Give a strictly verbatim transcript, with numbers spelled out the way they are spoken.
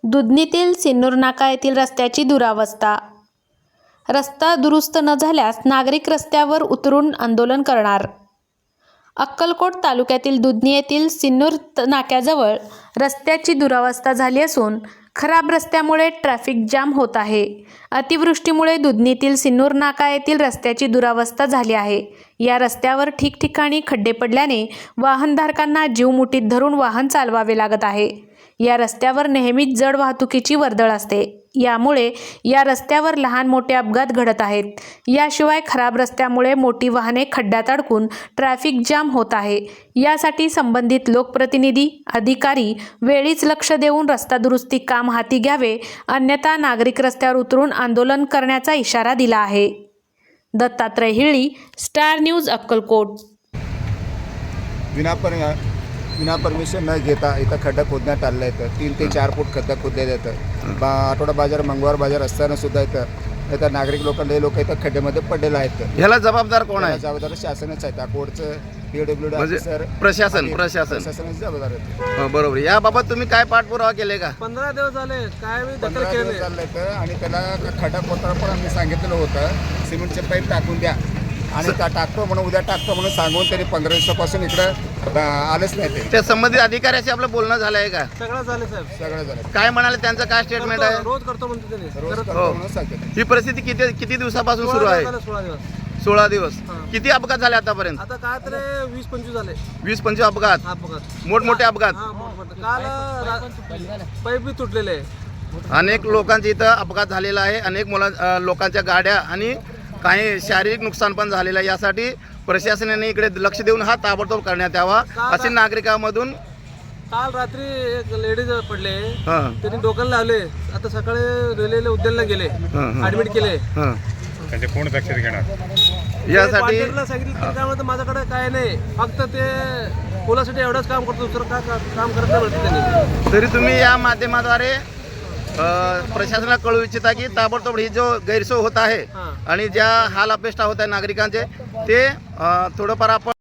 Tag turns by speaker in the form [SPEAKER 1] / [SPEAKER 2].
[SPEAKER 1] दुधनीतील सिन्नूर नाका येथील रस्त्याची दुरावस्था। रस्ता दुरुस्त न झाल्यास नागरिक रस्त्यावर उतरून आंदोलन करणार। अक्कलकोट तालुक्यातील दुधनी येथील सिन्नूर नाक्याजवळ रस्त्याची दुरावस्था झाली असून खराब रस्त्यामुळे ट्रॅफिक जाम होत आहे। अतिवृष्टीमुळे दुधनीतील सिन्नूर नाका येथील रस्त्याची दुरावस्था झाली आहे। या रस्त्यावर ठिकठिकाणी खड्डे पडल्याने वाहनधारकांना जीव मुठीत धरून वाहन चालवावे लागत आहे। या रस्त्यावर नेहमीच जड वाहतुकीची वर्दळ असते, यामुळे या रस्त्यावर लहान मोठे अपघात घडत आहेत। याशिवाय खराब रस्त्यामुळे मोठी वाहने खड्ड्यात अडकून ट्रॅफिक जाम होत आहे। यासाठी संबंधित लोकप्रतिनिधी, अधिकारी वेळीच लक्ष देऊन रस्ता दुरुस्ती काम हाती घ्यावे, अन्यथा नागरिक रस्त्यावर उतरून आंदोलन करण्याचा इशारा दिला आहे। Dattatray Hili, Star News, Akkalkot.
[SPEAKER 2] विनापर विना परमिशन न घेता इथं खड्डा खोदण्यात आलेला आहे। तीन ते चार फूट खड्डा खोदले जातं। बा आठवडा बाजार, मंगळवार बाजार असताना सुद्धा इथं इथं नागरिक लोकांना हे लोक इथं खड्ड्यामध्ये पडलेले आहेत।
[SPEAKER 3] ह्याला जबाबदार कोण आहे?
[SPEAKER 2] जबाबदार शासनच आहे। अकोटचं पीडब्ल्यू डी
[SPEAKER 3] म्हणजे
[SPEAKER 2] ऑफिसर,
[SPEAKER 3] प्रशासन प्रशासन
[SPEAKER 2] प्रशासनाची जबाबदार आहे।
[SPEAKER 3] हो, बरोबर। याबाबत तुम्ही काय पाठपुरावा केले का?
[SPEAKER 4] पंधरा दिवस झाले काय मी दखल
[SPEAKER 2] पंधरा दिवस
[SPEAKER 4] केले
[SPEAKER 2] चाललंय आणि त्याला खड्डा खोदताना पण आम्ही सांगितलेलं होतं सिमेंटचे पाईप टाकून द्या आणि त्या टाकतो म्हणून उद्या टाकतो म्हणून सांगून तरी पंधरा दिवसापासून इकडं आलेच नाही। ते
[SPEAKER 3] त्या संबंधित अधिकाऱ्याशी आपलं बोलणं झालं आहे का?
[SPEAKER 4] सगळं झाले साहेब,
[SPEAKER 2] सगळं झालं।
[SPEAKER 3] काय म्हणाले, त्यांचं काय स्टेटमेंट आहे?
[SPEAKER 4] रोज करतो म्हणते त्यांनी।
[SPEAKER 2] रोज
[SPEAKER 4] करत-
[SPEAKER 2] करतो म्हणून सांगते।
[SPEAKER 3] ही परिस्थिती किती किती दिवसापासून सुरू
[SPEAKER 4] सोळा
[SPEAKER 3] आहे?
[SPEAKER 4] दिवस झाले, सोळा दिवस
[SPEAKER 3] सोळा दिवस।
[SPEAKER 4] हां.
[SPEAKER 3] किती अपघात झाले आतापर्यंत?
[SPEAKER 4] आता काय तरी वीस पंचवीस झाले
[SPEAKER 3] वीस पंचवीस अपघात,
[SPEAKER 4] हा अपघात,
[SPEAKER 3] मोठमोठे अपघात।
[SPEAKER 4] हा मोठमोठे। काल रा- पाईप बी तुटलेले आहे।
[SPEAKER 3] अनेक लोकांचे इथं अपघात झालेला आहे। अनेक मुला अ, लोकांच्या गाड्या आणि काही शारीरिक नुकसान पण झालेलं आहे। यासाठी प्रशासनाने इकडे लक्ष देऊन हा ताबडतोब करण्यात यावा असे नागरिकांमधून।
[SPEAKER 4] काल रात्री एक लेडीज पडले,
[SPEAKER 3] हां
[SPEAKER 4] त्यांनी डोक्याला लावले। आता सकाळी रेल्वेला उद्यानला गेले,
[SPEAKER 3] हां, हां.
[SPEAKER 4] ऍडमिट केले।
[SPEAKER 3] हां,
[SPEAKER 5] त्यांचे कोण दक्षता घेणार?
[SPEAKER 3] यासाठी
[SPEAKER 4] कॉन्ट्रॅक्टरला सांगितलं की त्यामुळे माझ्याकडे काय नाही, फक्त ते पोलासाठी एवढंच काम करतो, दुसरं काय का- काम करत नाही म्हणते त्यांनी।
[SPEAKER 3] तरी तुम्ही या माध्यमाद्वारे अ, प्रशासनाला कळू इच्छिता की ताबडतोब ही जो गैरसोय होत आहे
[SPEAKER 4] हां.
[SPEAKER 3] आणि ज्या हाल अपेष्टा होत आहे नागरिकांचे ते अ, थोडंफार आपण